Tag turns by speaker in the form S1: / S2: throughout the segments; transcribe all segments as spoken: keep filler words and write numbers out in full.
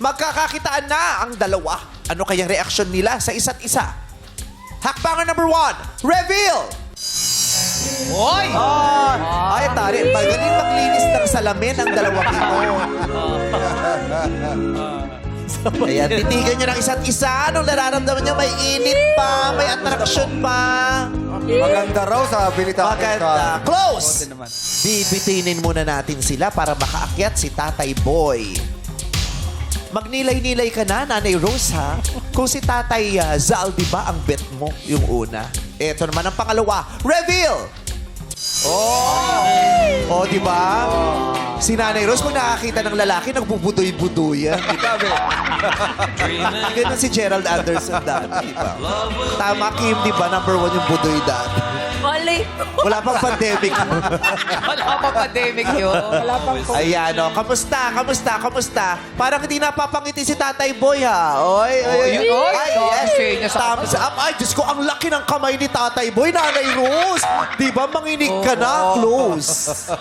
S1: Magkakakitaan na ang dalawa. Ano kayang reaksyon nila sa isa't isa? Hakbangan number one, reveal!
S2: Oy!
S1: Ay, tari. Magaling maglinis ng salamin ang dalawang ito. Ayan, titigan nyo ng isa't isa. Anong nararamdaman nyo? May init pa, may attraction pa.
S3: Maganda raw sabi ni Tatay
S1: Maganda.
S3: Carl.
S1: Close! Bibitinin muna natin sila para makaakyat si Tatay Boy. Magnilay-nilay ka na, Nanay Rose, ha? Kung si Tatay uh, Zal, di ba ang bet mo yung una? Ito naman ang pangalawa. Reveal! Oh! Oh, di ba? Si Nanay Rose, kung nakakita ng lalaki, nagbubudoy-budoy yan. Di ba? Ganun si Gerald Anderson dati, di ba? Tama, Kim, di ba? Number one yung budoy dati.
S4: Mali.
S1: Wala pang pandemic.
S2: Wala pa pandemic yun. Wala pang
S1: Ayan, o. Kamusta? Kamusta? Kamusta? Parang hindi napapangiti si Tatay Boy, ha? Oy, oy, oy.
S2: yun, oy.
S1: Ay,
S2: Sabi
S1: yes.
S2: siya niya sa-
S1: Thumbs up. Ay, Diyos ko, ang laki ng kamay ni Tatay Boy, Nanay Rose. Di ba, manginig ka na? Close.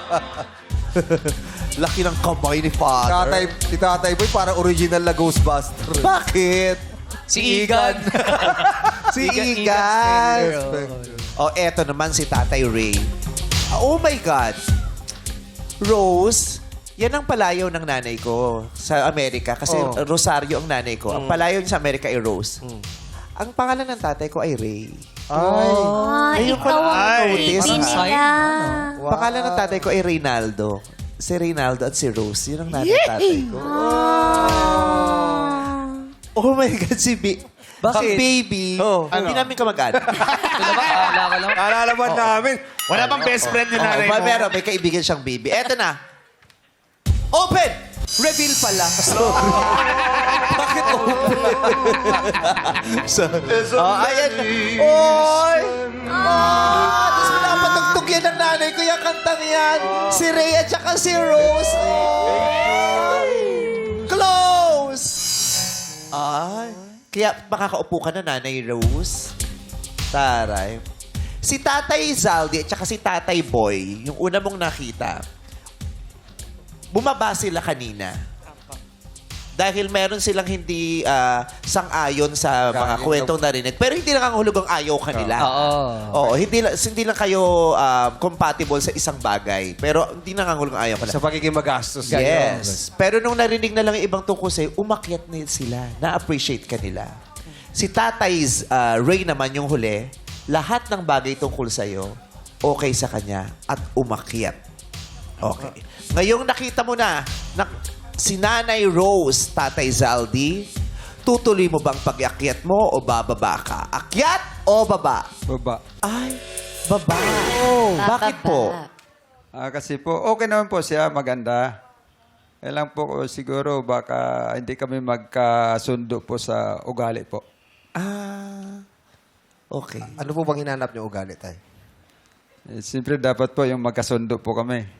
S1: Laki ng kamay ni Father.
S3: Tatay, si Tatay Boy para original na Ghostbuster.
S1: Bakit?
S2: Si Igan.
S1: Si
S2: Igan-
S1: Igan.
S2: Igan
S1: O, eto naman si Tatay Ray. Oh my God. Rose, yan ang palayaw ng nanay ko sa Amerika. Kasi
S3: Oh.
S1: Rosario ang nanay ko. Ang palayaw niya sa Amerika ay Rose. Ang pangalan ng tatay ko ay Ray.
S3: Ay.
S4: Ay,
S1: Ayun
S4: ikaw
S1: pala,
S4: ang
S1: notice.
S4: baby
S2: Sign.
S4: nila.
S3: Wow.
S1: Pangalan ng tatay ko ay Reynaldo. Si Reynaldo at si Rose. Yun ang nanay ng tatay ko. Oh my God, si B.
S3: Bakit?
S1: Ang baby.
S3: Oh.
S1: Hindi namin kamag-anak.
S2: Ito ba? Kala ka lang.
S3: Nalalaman namin.
S5: Wala bang best friend ni nanay
S1: Oh,
S5: mo?
S1: meron, may kaibigan siyang baby. Eto na. Open! Reveal pala. Bakit open? so, oh, ayan. Oy! Ah! Tapos pinapatugtog yan ng nanay ko yung kantang yan. Si Ray at saka si Rose. Oy! Close! Ay. Kaya makakaupo ka na, Nanay Rose. Taray. Si Tatay Zaldi at saka si Tatay Boy, yung una mong nakita, bumaba sila kanina. Dahil meron silang hindi ah, sang-ayon sa mga
S3: Galing
S1: kwentong narinig. Pero hindi nakangahulog ang ayaw kanila.
S2: Oo.
S1: Oo, hindi, lang- hindi lang kayo ah, compatible sa isang bagay. Pero hindi nakangahulog ang ayaw kanila.
S3: Sa pagiging magastos.
S1: Yes. Pero nung narinig na lang yung ibang tungkol sa'yo, umakyat na sila. Na-appreciate ka nila. Si Tatay's uh, Ray naman yung huli, lahat ng bagay tungkol sa'yo, okay sa kanya at umakyat. Okay. Ngayong nakita mo na, na si Nanay Rose, Tatay Zaldi, tutuloy mo bang pag-akyat mo o bababa ka? Akyat o baba?
S3: Baba.
S1: Ay, baba. Bakit po?
S6: Ah, kasi po, okay naman po siya, maganda. Eh lang po ko, siguro baka hindi kami magkasundo po sa ugali po.
S1: Ah, okay.
S3: Ano po bang hinanap niyo ugali, Tay?
S6: Eh, Siyempre dapat po yung magkasundo po kami.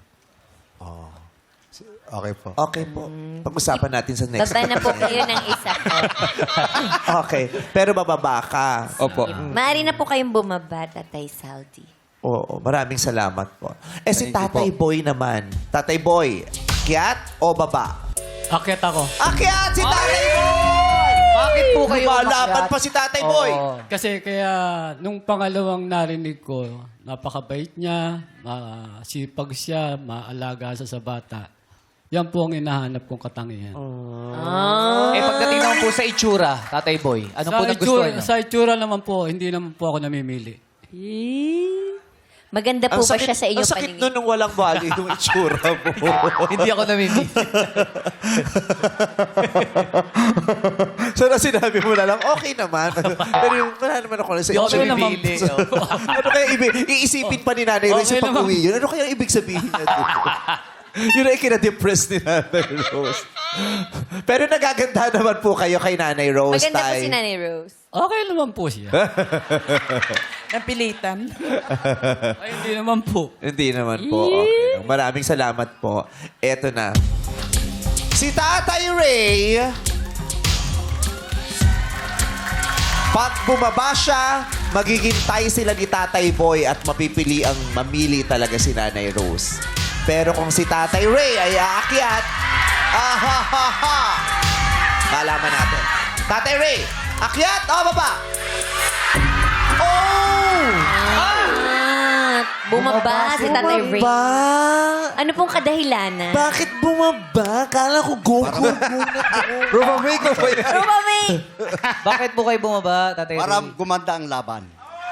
S3: Okay po.
S1: Okay po. Pag-usapan natin sa next.
S4: Baba na po kayo ng isa po.
S1: Okay. Pero bababa ka.
S6: Opo.
S4: Maaari na po kayong bumaba, Tatay Saldi.
S1: Oo. Maraming salamat po. Eh si
S6: Thank you
S1: Tatay
S6: po.
S1: Boy naman. Tatay Boy, akyat o baba?
S5: Akit ako.
S1: Akyat si Tatay Boy!
S2: Bakit po kayo
S1: Lumalaban
S2: umakyat?
S1: pa si Tatay Boy.
S2: Oo.
S7: Kasi kaya nung pangalawang narinig ko, napakabait niya, masipag siya, maalaga siya sa bata. Yan po ang hinahanap kong katangian.
S2: Eh, pagdating naman po sa itsura, Tatay Boy, ano po
S7: sa,
S2: nagustuhan
S7: itsura,
S2: niyo?
S7: sa itsura naman po, hindi naman po ako namimili.
S4: Maganda po ba siya sa inyong
S1: ang sakit
S4: paningin?
S1: nun nung walang value yung itsura mo.
S2: Hindi ako namimili.
S1: So na sinabi mo na lang, okay naman. Pero yung wala naman ako sa
S2: Hindi ako
S1: itsura.
S2: namimili.
S1: Ano kaya ibig? Iisipin pa ni Nanay Rose
S7: Okay
S1: sa
S7: naman.
S1: pag-uwi yun. Ano kaya ibig sabihin na doon? Yun ay kina-depress ni Nanay Rose. Pero nagaganda naman po kayo kay Nanay Rose.
S4: Maganda po
S1: Tay.
S4: si Nanay Rose.
S7: Okay naman po siya.
S8: Napilitan.
S7: Ay, hindi naman po.
S1: Hindi naman po. Okay. lang. Maraming salamat po. Eto na. Si Tatay Ray, pag bumaba siya, magiging tie sila ni Tatay Boy at mapipili ang mamili talaga si Nanay Rose. Pero kung si Tatay Ray ay aakyat, ahahaha, Malaman natin. Tatay Ray, akyat o baba? Oh!
S4: Ah, bumaba si Tatay Ray.
S1: Bumaba?
S4: Ano pong kadahilanan?
S1: Bakit bumaba? Kala ko go-go muna to.
S3: Rubamigo ba yan?
S4: Ruba May!
S2: Bakit po kayo bumaba, Tatay
S8: Para
S2: Ray?
S8: gumanda ang laban.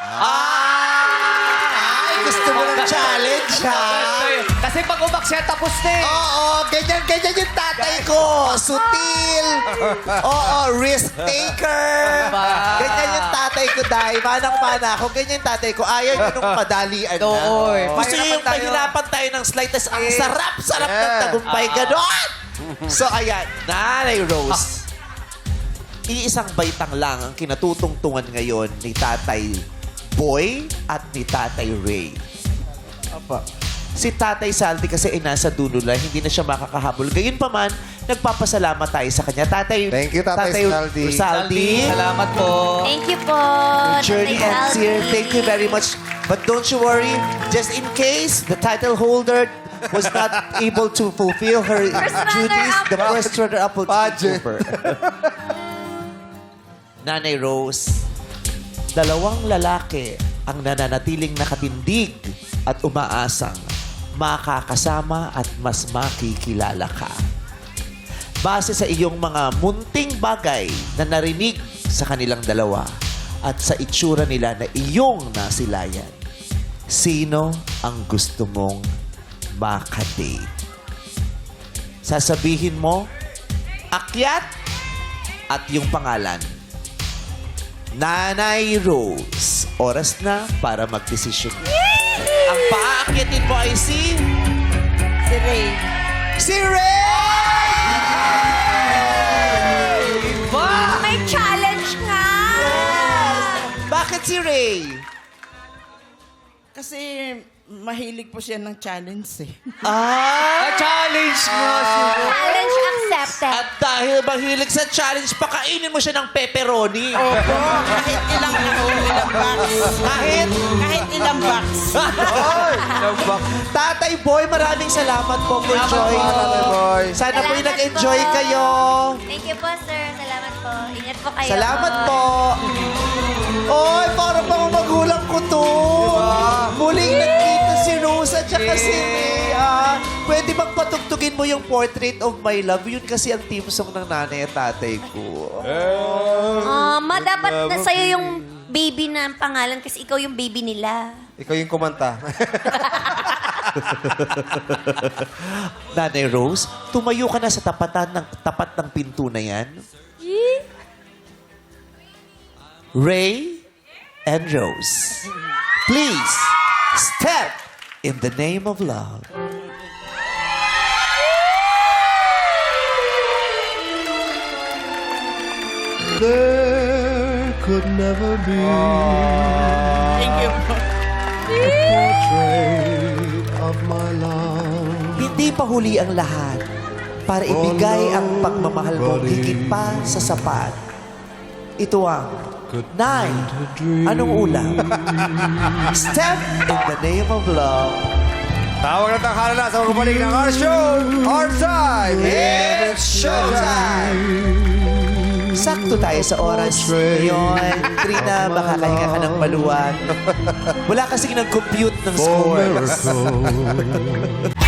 S1: Ah! Ay, gusto mo ng challenge, ha?
S2: Kasi pag umaksya, tapos na eh.
S1: Oo, ganyan-ganyan yung tatay ko. Sutil. Oo, risk taker. Ganyan yung tatay ko, Day. Manang-mana ako. Ganyan yung tatay ko. Ayaw nyo nung madalian na.
S2: Oo, eh.
S1: Gusto nyo yung
S2: Pahirapan tayo.
S1: pahirapan tayo ng slide. Tas ang sarap-sarap ng tagumpay. Ganon. So, ayan. Nanay Rose. Iisang baitang lang ang kinatutungtungan ngayon ni Tatay Boy at ni Tatay Ray.
S3: Apa.
S1: Si Tatay Saldi kasi ay nasa dulo lang, hindi na siya makakahabol. Gayun pa man, nagpapasalamat tayo sa kanya. Tatay,
S3: Thank you, Tatay Saldi.
S1: Saldi.
S2: Salamat po.
S4: Thank you po,
S1: Journey
S4: Tatay
S1: ends
S4: Saldi.
S1: here. Thank you very much. But don't you worry, just in case the title holder was not able to fulfill her
S4: First
S1: duties, the
S4: runner-up.
S1: first runner-up will take
S3: Pageant.
S1: over. Nanay Rose, dalawang lalaki ang nananatiling nakatindig at umaasang makakasama at mas makikilala ka. Base sa iyong mga munting bagay na narinig sa kanilang dalawa at sa itsura nila na iyong nasilayan, sino ang gusto mong makadate? Sasabihin mo, akyat at yung pangalan. Nanay Rose, oras na para magdesisyon. Ang paakyatin mo ay si...
S4: Si Ray.
S1: Si Ray!
S4: May challenge nga!
S1: Bakit si Ray?
S9: Kasi mahilig po siya ng challenge eh.
S1: Ah!
S2: challenge mo si
S4: Challenge accepted.
S1: At dahil mahilig sa challenge, pakainin mo siya ng pepperoni.
S9: Opo, kahit ilang ano, ilang box.
S1: Kahit...
S9: Kahit ilang box.
S1: Tatay Boy, maraming salamat po for joining.
S3: Tatay Boy.
S1: Sana po
S4: Salamat
S1: nag-enjoy
S4: po.
S1: kayo.
S4: Thank you po, sir. Salamat po. Ingat po kayo.
S1: Salamat po. Oy, parang mga magulang ko to. Muling nagkita si Rose at saka si Rhea. Pwede bang patugtugin mo yung Portrait of My Love? Yun kasi ang team song ng nanay at tatay ko.
S4: Ah, ma, dapat na sa'yo yung baby na ang pangalan kasi ikaw yung baby nila.
S3: Ikaw yung kumanta.
S1: Nanay Rose, tumayo ka na sa tapatan ng tapat ng pinto na yan. Ray and Rose, please step in the name of love.
S10: There could never be
S9: Thank you po.
S10: a portrait of my love.
S1: Hindi pa huli ang lahat para ibigay ang pagmamahal mo higit pa sa sapat. Ito ang nine. Anong ulam? Step in the name of love.
S3: Tawag na tanghala na sa magbalik ng our show, our time.
S1: It's showtime! Sakto tayo sa oras ngayon. Trina, makakahinga ka ng maluwag. Wala kasing nag-compute ng
S10: For
S1: scores.
S10: miracle.